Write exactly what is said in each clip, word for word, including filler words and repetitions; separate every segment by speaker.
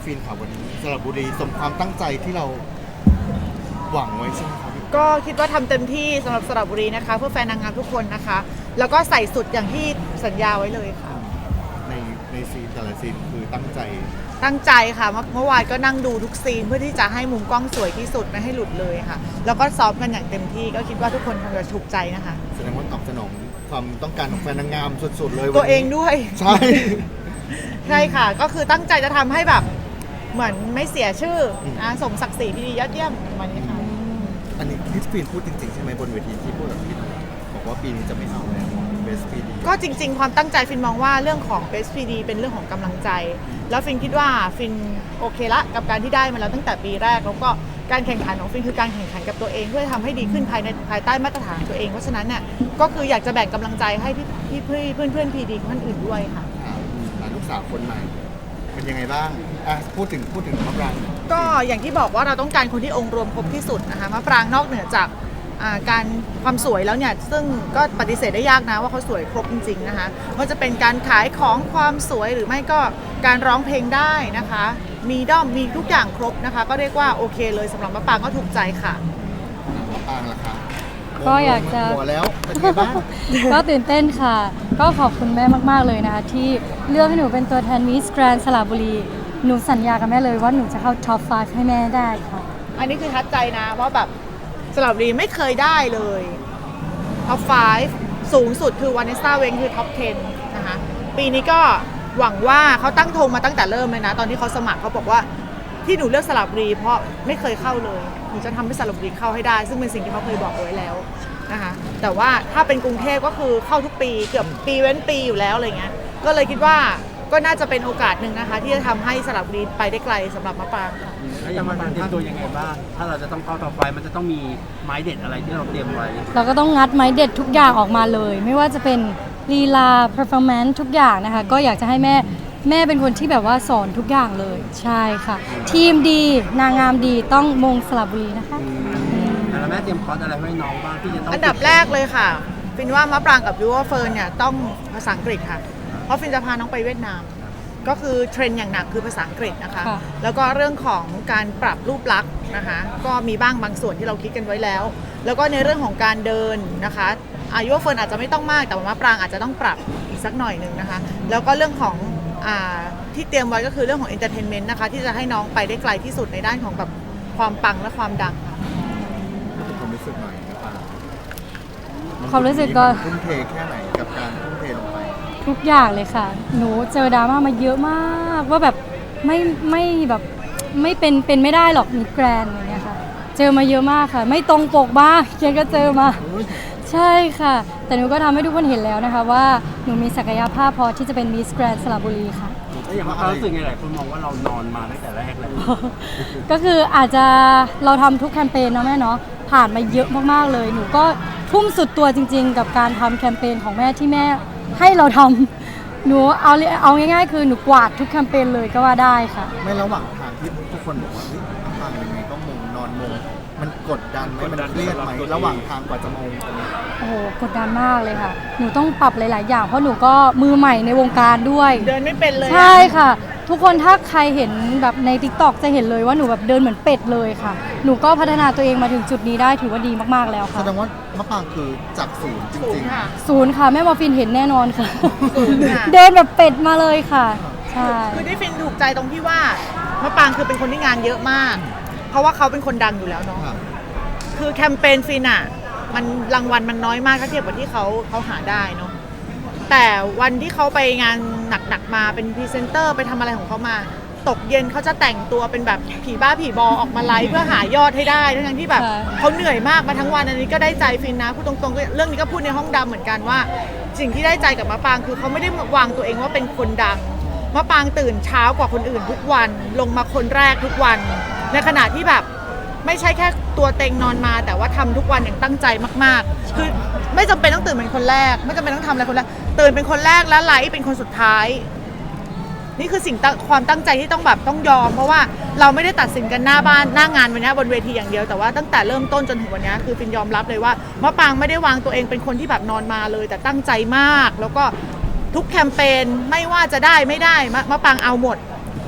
Speaker 1: ฟินค่ะวันนี้สระบุรีสมความตั้งใจที่เราหวังไว้ใช่ไหมครับ
Speaker 2: ก็คิดว่าทำเต็มที่สำหรับสระบุรีนะคะเพื่อแฟนนางงามทุกคนนะคะ แล้วก็ใส่สุดอย่างที่สัญญาไว้เลยค่ะ
Speaker 1: ในในซีนแต่ละซีนคือตั้งใจ
Speaker 2: ตั้งใจค่ะเมื่อเมื่อวานก็นั่งดูทุกซีนเพื่อที่จะให้มุมกล้องสวยที่สุดไม่ให้หลุดเลยค่ะ แล้วก็ซ้อมกันอย่างเต็มที่ก็คิดว่าทุกคนคงจะถูกใจนะคะ
Speaker 1: แสดงว่าตอบสนองความต้องการของแฟนนางงามสุดๆเลย
Speaker 2: ตัวเองด้วย
Speaker 1: ใช่
Speaker 2: ใช่ค่ะ ก็คือตั้งใจจะทำให้แบบเหมือนไม่เสียชื่อนะสมศักดิ์ศรีที่ดียอดเยี่ยมวันนี้ค่ะ
Speaker 1: อันนี้คริสฟินพูดจริงๆใช่ไหมบนเวทีที่พูดกับพี่บอกว่าปีนี้จะไม่เอาแล้วเบสปีดี
Speaker 2: ก็จริงๆ ความตั้งใจฟินมองว่าเรื่องของ Best พี ดี เป็นเรื่องของกำลังใจ แล้วฟินคิดว่าฟินโอเคละกับการที่ได้มาแล้วตั้งแต่ปีแรก แล้วก็การแข่งขันของฟินคือการแข่งขันกับตัวเองเพื่อทำให้ดีขึ้นภายในภายใต้มาตรฐานตัวเองเพราะฉะนั้นเนี่ยก็คืออยากจะแบ่งกำลังใจให้พี่พี่เพื่อนเพื่อนพีดีคนอื่นด้วยค่ะ
Speaker 1: อ่าลูกสาวคนใหม่เป็นยังไงบ้างอ่ะพูดถึงพูดถึงมะปราง
Speaker 2: ก็อย่างที่บอกว่าเราต้องการคนที่องค์รวมครบที่สุดนะคะมะปรางนอกเหนือจากอ่าการความสวยแล้วเนี่ยซึ่งก็ปฏิเสธได้ยากนะว่าเขาสวยครบจริงๆนะคะว่าจะเป็นการขายของความสวยหรือไม่ก็การร้องเพลงได้นะคะ มีด้อมมีทุกอย่างครบนะคะ ก็เรียกว่าโอเคเลยสำหรับมะปรางก็ถูกใจค่ะ
Speaker 1: มะปรางล่ะคะ
Speaker 3: ก็อยากจะ
Speaker 1: หัวแล้วเป็นไงบ้าง
Speaker 3: ก็ตื่นเต้นค่ะ ก็ขอบคุณแม่มากๆเลยนะคะที่เลือกให้หนูเป็นตัวแทนมิสแกรนด์สระบุรีหนูสัญญากับแม่เลยว่าหนูจะเข้าท็อปไฟว์ให้แม่ได้ค่ะ
Speaker 2: อันนี้คือทัดใจนะว่าแบบสระบุรีไม่เคยได้เลยท็อปไฟว์สูงสุดคือวานิสต้าเวงคือท็อปสิบนะคะปีนี้ก็หวังว่าเขาตั้งธงมาตั้งแต่เริ่มเลยนะ ตอนที่เขาสมัครเขาบอกว่าที่หนูเลือกสระบุรีเพราะไม่เคยเข้าเลยหนูจะทำให้สระบุรีเข้าให้ได้ ซึ่งเป็นสิ่งที่เขาเคยบอกเอาไว้แล้วนะคะแต่ว่าถ้าเป็นกรุงเทพก็คือเข้าทุกปีเกือบปีเว้นปีอยู่แล้วอะไรเงี้ยก็เลยคิดว่าก็น่าจะเป็นโอกาสหนึ่งนะคะที่จะทำให้สระบุรีไปได้ไกลสำหรับมะปรางค่ะ
Speaker 4: แล้วอย่างมันเตรียมตัวยังไงบ้าง ถ้าเราจะต้องเข้าต่อไฟมันจะต้องมีไม้เด็ดอะไรที่เราเตรียมไว้
Speaker 3: เราก็ต้องงัดไม้เด็ดทุกอย่างออกมาเลย ไม่ว่าจะเป็นลีลา performance ทุกอย่างนะคะ ก็อยากจะให้แม่แม่เป็นคนที่แบบว่าสอนทุกอย่างเลย ใช่ค่ะ ทีมดีนางงามดีต้องมงสระบุรีนะคะ
Speaker 4: แล้วแม่เตรียมคอร์สอะไรให้น้องบ้างที่จะต้อง
Speaker 2: อันดับแรกเลยค่ะฟินว่ามะปรางกับยูว่าเฟิร์นเนี่ยต้องภาษาอังกฤษค่ะเพราะฟินจะพาน้องไปเวียดนาม ก็คือเทรนด์อย่างหนักคือภาษาอังกฤษนะคะ
Speaker 3: ค่ะ
Speaker 2: แล้วก็เรื่องของการปรับรูปลักษณ์นะคะก็มีบ้างบางส่วนที่เราคิดกันไว้แล้ว แล้วก็ในเรื่องของการเดินนะคะอายุว่าเฟิร์นอาจจะไม่ต้องมากแต่ว่ามะปรางอาจจะต้องปรับอีกสักหน่อยหนึ่งนะคะแล้วก็เรื่องของอ่าที่เตรียมไว้ก็คือเรื่องของเอนเตอร์เทนเมนต์นะคะที่จะให้น้องไปได้ไกลที่สุดในด้านของแบบความปังและความดังค่ะ
Speaker 1: ความรู้สึกหน่อยมะปราง
Speaker 3: ความรู้สึกก็
Speaker 1: ทุ่มเทแค่ไหนกับการทุ่มเทลงไป
Speaker 3: ทุกอย่างเลยค่ะ หนูเจอดราม่ามาเยอะมากว่าแบบไม่ไม่แบบไม่เป็นเป็นไม่ได้หรอกมิสแกรนด์อย่างเงี้ยค่ะ เจอมาเยอะมากค่ะ ไม่ตรงปกบ้างเคนก็เจอมา ใช่ค่ะ แต่หนูก็ทำให้ทุกคนเห็นแล้วนะคะว่าหนูมีศักยภาพพอที่จะเป็นมิสแกรนด์สระบุรีค่ะ
Speaker 4: แล้วอย่างเรารู้สึกไงหลายคนมองว่าเรานอนมาตั้งแต่แรกเลย
Speaker 3: ก็คืออาจจะเราทำทุกแคมเปญเนาะแม่เนาะผ่านมาเยอะมากๆเลย หนูก็ทุ่มสุดตัวจริงๆ กับการทำแคมเปญของแม่ที่แม่ให้เราทำหนูเอาเอาง่ายๆ คือหนูกวาดทุกแคมเปญเลยก็ว่าได้ค่ะ
Speaker 1: ไม่ระหว่างทางที่ทุกคนบอกว่าเฮ้ยมะปรางยังไงก็มงนอนมงมันกดดันไหมมันเครียดไหมระหว่างทางกว่าจะมงตรงนี้
Speaker 3: โอ้โหกดดันมากเลยค่ะ หนูต้องปรับหลายๆ อย่างเพราะหนูก็มือใหม่ในวงการด้วย
Speaker 2: เดินไม่เป็นเลยอะ
Speaker 3: ใช่ค่ะ ทุกคนถ้าใครเห็นแบบใน ติ๊กต็อก จะเห็นเลยว่าหนูแบบเดินเหมือนเป็ดเลยค่ะ หนูก็พัฒนาตัวเองมาถึงจุดนี้ได้ถือว่าดีมากๆแล้ว
Speaker 1: แส
Speaker 3: ค่ะ
Speaker 1: ดงว่ามะปรางคือจากศูนย์จ
Speaker 2: สู
Speaker 1: ริ
Speaker 2: ง
Speaker 1: ง
Speaker 2: ค่ะ
Speaker 3: ศูนย์ค่ะแม่มอร์ฟินเห็นแน่นอนค่ะ
Speaker 2: ศูนย์ค่ะ
Speaker 3: เดินแบบเป็ดมาเลยค่ะ ใช่
Speaker 2: คือที่ฟินถูกใจตรงที่ว่ามะปรางคือเป็นคนที่งานเยอะมาก เพราะว่าเขาเป็นคนดังอยู่แล้วเนาะ
Speaker 1: ๆค่ะ
Speaker 2: คือแคมเปญฟินอะมันรางวัลมันน้อยมากถ้าเทียบกับที่เขาเขาหาได้เนาะแต่วันที่เขาไปงานหนักๆมาเป็นพรีเซนเตอร์ไปทำอะไรของเขามา ตกเย็นเขาจะแต่งตัวเป็นแบบผีบ้าผีบอออกมาไลฟ์เพื่อหายอดให้ได้ทั้งๆที่แบบ
Speaker 3: ค่ะ
Speaker 2: เขาเหนื่อยมากมาทั้งวันอันนี้ก็ได้ใจฟินนะพูดตรงๆเรื่องนี้ก็พูดในห้องดำเหมือนกันว่า สิ่งที่ได้ใจกับมะปรางคือเขาไม่ได้วางตัวเองว่าเป็นคนดังมะปรางตื่นเช้ากว่าคนอื่นทุกวันลงมาคนแรกทุกวัน ในขณะที่แบบไม่ใช่แค่ตัวเต็งนอนมา แต่ว่าทำทุกวันอย่างตั้งใจมากๆ คือไม่จำเป็นต้องตื่นเป็นคนแรก ไม่จำเป็นต้องทำอะไรคนแรกตื่นเป็นคนแรกแล้วไลฟ์เป็นคนสุดท้าย นี่คือสิ่งตั้งความตั้งใจที่ต้องแบบต้องยอม เพราะว่าเราไม่ได้ตัดสินกันหน้าบ้านหน้างานวันนี้บนเวทีอย่างเดียวแต่ว่าตั้งแต่เริ่มต้นจนถึงวันนี้คือฟินยอมรับเลยว่ามะปรางไม่ได้วางตัวเองเป็นคนที่แบบนอนมาเลย แต่ตั้งใจมาก แล้วก็ทุกแคมเปญไม่ว่าจะได้ไม่ได้มะมะปรางเอาหมด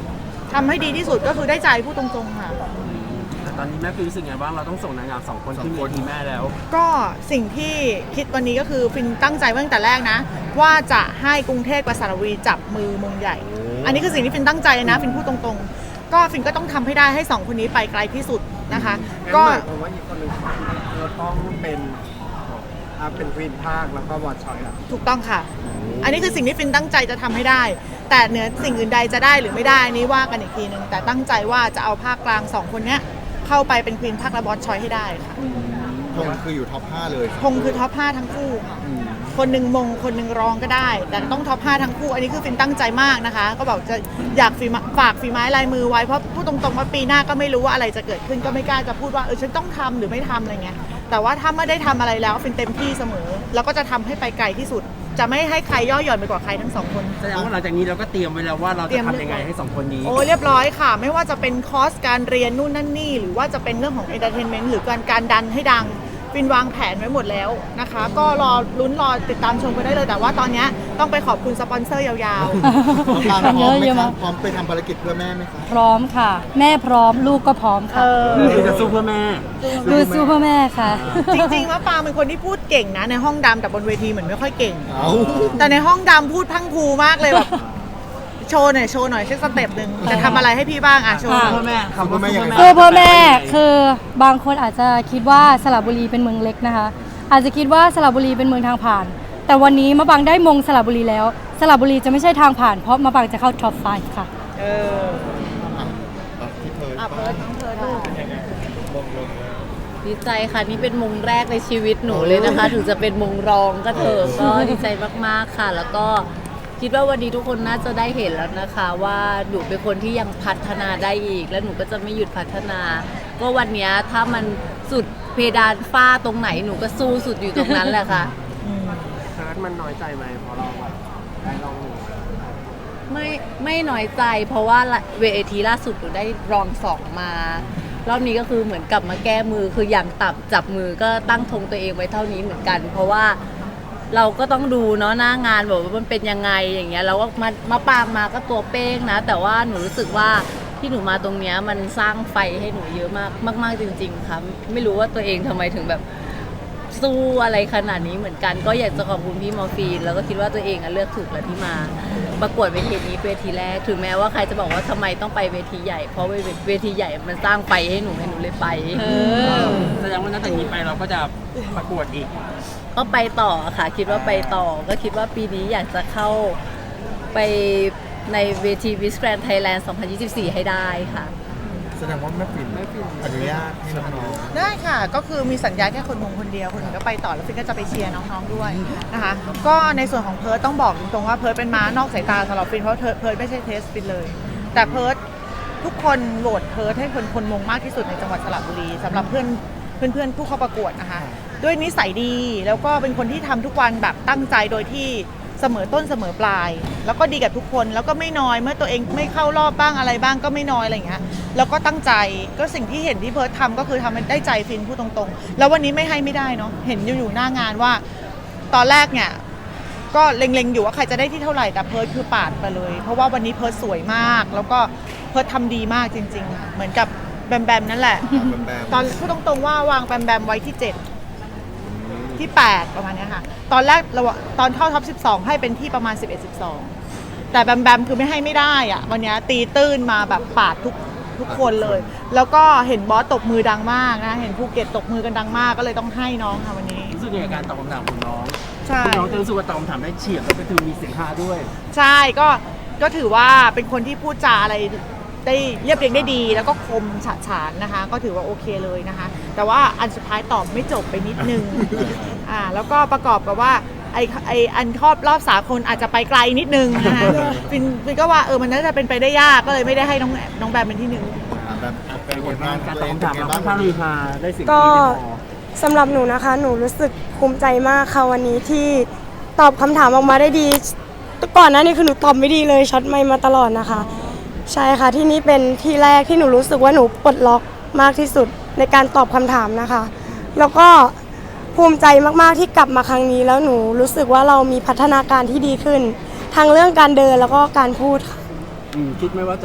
Speaker 2: ทำให้ดีที่สุดก็คือได้ใจพูดตรงๆค่ะ
Speaker 4: แต่ตอนนี้แม่ฟินรู้สึกไงบ้างเราต้องส่งนางงามสองคนขึ้นเวทีแม่แล้ว
Speaker 2: ก็สิ่งที่คิดวันนี้ก็คือฟินตั้งใจไว้ตั้งแต่แรกนะ ว่าจะให้กรุงเทพกับสระบุรีจับมือมงใหญ่ อันนี้คือสิ่งที่ฟินตั้งใจเลยนะฟินพูดตรงๆ ก็ฟินก็ต้องทำให้ได้ให้สองคนนี้ไปไกลที่สุดนะคะ ก็
Speaker 5: ผมว่าอีกคนหนึ่งเราต้องเป็นอ่าเป็นควีนภาคแล้วก็บอดชอยล่ะ
Speaker 2: ถูกต้องค่ะ อันนี้คือสิ่งที่ฟินตั้งใจจะทำให้ได้ แต่เหนือสิ่งอื่นใดจะได้หรือไม่ได้อันนี้ว่ากันอีกทีหนึ่งแต่ตั้งใจว่าจะเอาภาคกลางสองคนเนี้ยเข้าไปเป็นควีนภาคและบอสชอยให้ได้ค่ะ
Speaker 1: ธงคืออยู่ท็อปห้าเลย
Speaker 2: คงคือท็อปห้าทั้งคู่ค่ะ
Speaker 1: อืม
Speaker 2: คนหนึ่งมงคนหนึ่งรองก็ได้ แต่ต้องท็อปห้าทั้งคู่ อันนี้คือฟินตั้งใจมากนะคะ ก็บอกจะอยากฝีมฝากฝีไม้ลายมือไว้เพราะพูดตรงๆว่าปีหน้าก็ไม่รู้ว่าอะไรจะเกิดขึ้นก็ไม่กล้าจะพูดว่าเออฉันต้องทำหรือไม่ทำอะไรเงี้ยแต่ว่าถ้าไม่ได้ทำอะไรแล้วฟินเต็มที่เสมอ แล้วก็จะทำให้ไปไกลที่สุด จะไม่ให้ใครย่อหย่อนไปกว่าใครทั้งสองคน
Speaker 4: แสดงว่าหลังจากนี้เราก็เตรียมไว้แล้วว่าเราจะทำยังไงให้สองคนนี้
Speaker 2: โอ้เรียบร้อยค่ะ ไม่ว่าจะเป็นคอร์สการเรียนนู่นนั่นนี่ หรือว่าจะเป็นเรื่องของเอนเตอร์เทนเมนต์หรือการการดันให้ดังฟินวางแผนไว้หมดแล้วนะคะ ก็รอลุ้นรอติดตามชมกันได้เลย แต่ว่าตอนนี้ต้องไปขอบคุณสปอนเซอร์ยาว
Speaker 1: ทางพร้อมไหม
Speaker 3: เยอะ
Speaker 1: คะ
Speaker 3: มาก
Speaker 1: พร้อมไปทำภารกิจเพื่อแม่ไหมคะ
Speaker 3: พร้อมค่ะ แม่พร้อมลูกก็พร้อม
Speaker 2: ๆ เอ
Speaker 3: ค่ะ
Speaker 2: อ
Speaker 4: คือจะสู้เพื่อแม่
Speaker 3: ดูสู้เพื่อแม่ค่ะ
Speaker 2: จริงๆว่าปางเป็นคนที่พูดเก่งนะ ในห้องดำแต่บนเวทีเหมือนไม่ค่อยเก่ง
Speaker 1: เอา
Speaker 2: แต่ในห้องดำพูดพรังพรูมากเลยแบบโชว์หน่อยโชว์หน่อยเช็คสเต็ปหนึ่งจะทำอะไรให้พี่บ้างอ่ะโชว์หน่อย
Speaker 4: เพื่อแม่คำว่าเพื่อแม่
Speaker 3: สู้เพื่อแม่คือบางคนอาจจะคิดว่าสระบุรีเป็นเมืองเล็กนะคะ อาจจะคิดว่าสระบุรีเป็นเมืองทางผ่าน แต่วันนี้มะปางได้มงสระบุรีแล้วสระบุรีจะไม่ใช่ทางผ่านเพราะมะปางจะเข้าท็อปไฟว์ค่ะ
Speaker 2: เออ
Speaker 1: อ่ะอ่ะที่เธอ
Speaker 2: อ่ะเพิร์ดน้องเพิร์ดลูก
Speaker 6: ดีใจค่ะ นี่เป็นมงแรกในชีวิตหนูเลยนะคะ ถึงจะเป็นมงรองก็เถอะก็ดีใจมากๆค่ะ แล้วก็คิดว่าวันนี้ทุกคนน่าจะได้เห็นแล้วนะคะ ว่าหนูเป็นคนที่ยังพัฒนาได้อีก และหนูก็จะไม่หยุดพัฒนา ก็วันเนี้ยถ้ามันสุดเพดานฝ้าตรงไหนหนูก็สู้สุดอยู่ตรงนั้นแหละค่ะ
Speaker 5: เพิร์ดมันน้อยใจไหมเพราะเราแบบได้ลอง
Speaker 6: ไม่ไม่น้อยใจ เพราะว่าเวทีล่าสุดหนูได้รองสองมารอบนี้ก็คือเหมือนกลับมาแก้มือคืออย่างต่ำจับมือก็ตั้งธงตัวเองไว้เท่านี้เหมือนกัน เพราะว่าเราก็ต้องดูเนาะหน้างานแบบว่ามันเป็นยังไงอย่างเงี้ยเราก็มามาปางมาก็ตัวเป้งนะ แต่ว่าหนูรู้สึกว่าที่หนูมาตรงเนี้ยมันสร้างไฟให้หนูเยอะมากมากๆจริงๆค่ะไม่รู้ว่าตัวเองทำไมถึงแบบสู้อะไรขนาดนี้เหมือนกัน ก็อยากจะขอบคุณพี่มอร์ฟีนแล้วก็คิดว่าตัวเองอะเลือกถูกแล้วที่มาประกวดเวทีนี้เวทีแรกถึงแม้ว่าใครจะบอกว่าทำไมต้องไปเวทีใหญ่เพราะเวทีใหญ่มันสร้างไฟให้หนูให้หนูเลยไป
Speaker 4: แสดงว่าตั้งแต่นี้ไปเราก็จะประกวดอีก
Speaker 6: ก็ไปต่อค่ะคิดว่าไปต่อก็คิดว่าปีนี้อยากจะเข้าไปในเวที Miss Grand Thailand สองพันยี่สิบสี่ ให้ได้ค่ะ
Speaker 1: แสดงว่าแม่ปิ่นอนุญาตให้น้อง
Speaker 2: ได้ค่ะก็คือมีสัญญาแค่คนมงคนเดียวคนอื่นก็ไปต่อแล้วฟินก็จะไปเชียร์น้องๆด้วยนะคะก็ในส่วนของเพิร์ดต้องบอกตรงๆว่าเพิร์ดเป็นม้านอกสายตาสำหรับฟินเพราะเพิร์ดเพิร์ดไม่ใช่เทสฟินเลย แต่เพิร์ดทุกคนโหวตเพิร์ดให้คนคนมงมากที่สุดในจังหวัดสระบุรีสำหรับเพื่อนเพื่อนๆผู้เข้าประกวดนะคะด้วยนิสัยดีแล้วก็เป็นคนที่ทำทุกวันแบบตั้งใจโดยที่เสมอต้นเสมอปลาย แล้วก็ดีกับทุกคนแล้วก็ไม่น้อยเมื่อตัวเองไม่เข้ารอบบ้างอะไรบ้างก็ไม่น้อยอะไรอย่างเงี้ยแล้วก็ตั้งใจก็สิ่งที่เห็นที่เพิร์ททำก็คือทำให้ได้ใจฟินพูดตรงๆแล้ววันนี้ไม่ให้ไม่ได้เนาะเห็นอยู่อยู่หน้างานว่า ตอนแรกเนี่ยก็เล็งๆอยู่ว่าใครจะได้ที่เท่าไหร่แต่เพิร์ทคือปาดไปเลย เพราะว่าวันนี้เพิร์ทสวยมาก แล้วก็เพิร์ททำดีมากจริงๆค่ะเหมือนกับแบมแบมนั่นแหละ
Speaker 1: ๆแบม
Speaker 2: ตอนพูดตรงๆว่าวางแบมแบมไว้ที่เจ็ดที่แปดประมาณเนี้ยค่ะตอนแรกเราตอนเข้าท็อปสิบสองให้เป็นที่ประมาณสิบเอ็ด สิบสองแต่แบมแบมคือไม่ให้ไม่ได้อะวันเนี้ยตีตื้นมาแบบปาดทุกทุกคนเลย แล้วก็เห็นบอสตบมือดังมากนะเห็นภูเก็ตตบมือกันดังมากก็เลยต้องให้น้องค่ะวันนี้
Speaker 4: รู้สึกยังไงกับการตอบคำถามของน้อง
Speaker 2: ใช่
Speaker 4: คุณน้องจะรู้สึกว่าตอบคำถามได้เฉียบแล้วก็คือมีเสียงฮาด้วย
Speaker 2: ใช่ก็ก็ถือว่าเป็นคนที่พูดจาอะไรได้เรียบเรียงได้ดี แล้วก็คมฉะฉานนะคะ ก็ถือว่าโอเคเลยนะคะ แต่ว่าอันสุดท้ายตอบไม่จบไปนิดนึง อ่าแล้วก็ประกอบกับว่าไอไออันครอบรอบสากลอาจจะไปไกลนิดนึงนะคะฟินฟินก็ว่าเออมันน่าจะเป็นไปได้ยากก็เลยไม่ได้ให้น้องน้องแบมเป็นที่หนึ่ง
Speaker 1: อ่ะแบบเป็
Speaker 4: เป็น น
Speaker 1: ผ
Speaker 4: ผ
Speaker 1: ลงาง
Speaker 4: ลาน น
Speaker 1: กา
Speaker 4: การ ร
Speaker 1: ต
Speaker 4: ต
Speaker 1: อ
Speaker 4: อ
Speaker 1: บบ คำ
Speaker 4: คำ
Speaker 1: ถา
Speaker 4: ถาม ม
Speaker 1: เรา
Speaker 4: เรา
Speaker 1: ค่
Speaker 4: ค่
Speaker 1: อ
Speaker 4: อน
Speaker 1: ข้า
Speaker 4: ข้าง ง
Speaker 1: ลื
Speaker 4: ลื
Speaker 1: อ
Speaker 4: อฮาได้สิ่ง
Speaker 7: ก็
Speaker 4: ที่ไม่พอ
Speaker 7: สำหรับหนูนะคะ หนูรู้สึกภูมิใจมากค่ะวันนี้ที่ตอบคำถามออกมาได้ดีก่อนหน้านี้คือหนูตอบไม่ดีเลยช็อตไม่มาตลอดนะคะ ใช่ค่ะที่นี่เป็นที่แรกที่หนูรู้สึกว่าหนูปลดล็อกมากที่สุดในการตอบคำถามนะคะ แล้วก็ภูมิใจมากๆที่กลับมาครั้งนี้แล้วหนูรู้สึกว่าเรามีพัฒนาการที่ดีขึ้นทั้งเรื่องการเดินแล้วก็การพูดค่ะ
Speaker 4: อืมคิดไหมว่าจะ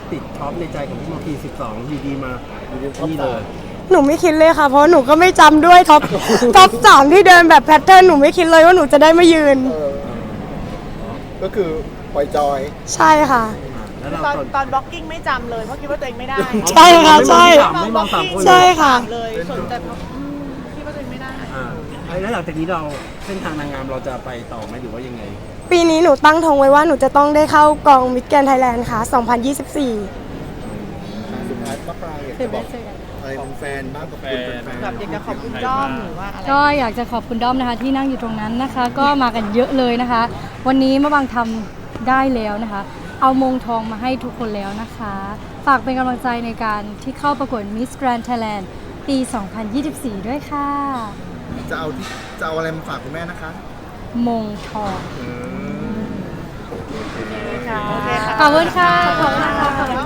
Speaker 4: ติดท็อปในใจของพี่มอคีสิบสองอยู่ดีมานี่เลย
Speaker 7: หนูไม่คิดเลยค่ะ เพราะหนูก็ไม่จำด้วยท็อป ท็อปสามที่เดินแบบแพทเทิร์นหนูไม่คิดเลยว่าหนูจะได้มายืน
Speaker 1: เออก็คือปล่อยจอย
Speaker 7: ใช่ค่ะ
Speaker 4: แล้วเรา
Speaker 2: ตอน
Speaker 4: ตอน
Speaker 2: ตอนบล็อกกิ้งไม่จำเลยเพราะคิดว่าตัวเองไม่ได้
Speaker 7: ใช่ค่ะใช่
Speaker 4: ไม่มองสามคน
Speaker 7: ใช่ค่ะ
Speaker 2: เลยส่วนแต่อืมคิดว่าตัวเองไม่ได้
Speaker 4: อ่าแล้วหลังจากนี้เราเส้นทางนางงามเราจะไปต่อไหมหรือว่ายังไง
Speaker 7: ปีนี้หนูตั้งธงไว้ว่าหนูจะต้องได้เข้ากองมิสแกรนด์ไทยแลนด์ค่ะ สองพันยี่สิบสี่
Speaker 1: สุดท้ายป้าปรางอยากจะบอกอะไรเป็นแฟนบ้างกับคุณแฟนๆ
Speaker 2: แบบอยากจะขอบคุณด้อมหรือว่าอะไร
Speaker 3: ก็อยากจะขอบคุณด้อมนะคะที่นั่งอยู่ตรงนั้นนะคะ ก็มากันเยอะเลยนะคะ วันนี้มะบางทำได้แล้วนะคะ เอามงทองมาให้ทุกคนแล้วนะคะ ฝากเป็นกำลังใจในการที่เข้าประกวด Miss Grand Thailand ปี สองพันยี่สิบสี่ ด้วยค่ะ
Speaker 1: จะเอาที่จะเอาอะไรมาฝากคุณแม่นะคะ
Speaker 3: มงทอง
Speaker 1: อืม
Speaker 2: โอเคค่ะ
Speaker 3: ขอบคุณค่ะ ขอบคุณค่ะ